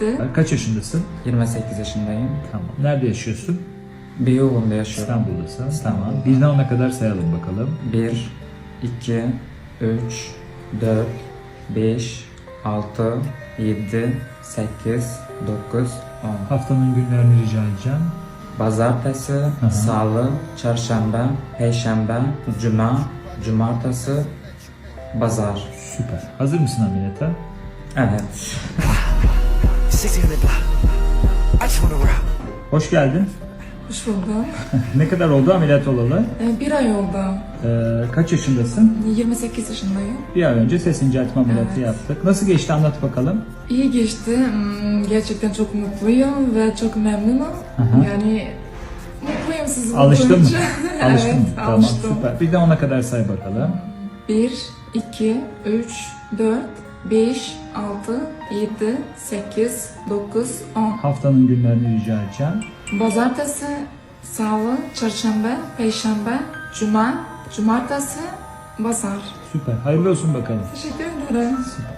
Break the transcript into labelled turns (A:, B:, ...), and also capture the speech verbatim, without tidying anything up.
A: yedi.
B: Kaç yaşındasın?
C: yirmi sekiz yaşındayım.
B: Tamam. Nerede yaşıyorsun?
C: Beyoğlu'nda yaşıyorum.
B: İstanbul'dasın. Tamam. Birden ona kadar sayalım bakalım.
C: bir, iki, üç, dört, beş, altı, yedi, sekiz, dokuz, on.
B: Haftanın günlerini rica edeceğim.
C: Pazartesi,
B: hı.
C: salı, çarşamba, perşembe, cuma, cumartesi, pazar.
B: Süper. Hazır mısın ameliyata?
C: Evet.
B: Hoş geldin.
A: Hoş buldum.
B: Ne kadar oldu ameliyat olalı?
A: Ee, bir ay oldu.
B: Ee, kaç yaşındasın?
A: yirmi sekiz yaşındayım.
B: Bir ay önce ses inceltme ameliyatı
A: Evet.
B: yaptık. Nasıl geçti anlat bakalım.
A: İyi geçti. Hmm, Gerçekten çok mutluyum ve çok memnunum.
B: Aha.
A: Yani mutluyum sizi
B: Alıştın mı?
A: bulunca.
B: Alıştın
A: Evet,
B: mı? Tamam
A: alıştım.
B: süper. Bir de ona kadar say bakalım.
A: bir, iki, üç, dört, beş, altı, yedi, sekiz, dokuz, on.
B: Haftanın günlerini rica edeceğim.
A: Pazartesi, salı, çarşamba, perşembe, cuma, cumartesi, pazar.
B: Süper. Hayırlı olsun bakalım.
A: Teşekkür ederim.
B: Süper.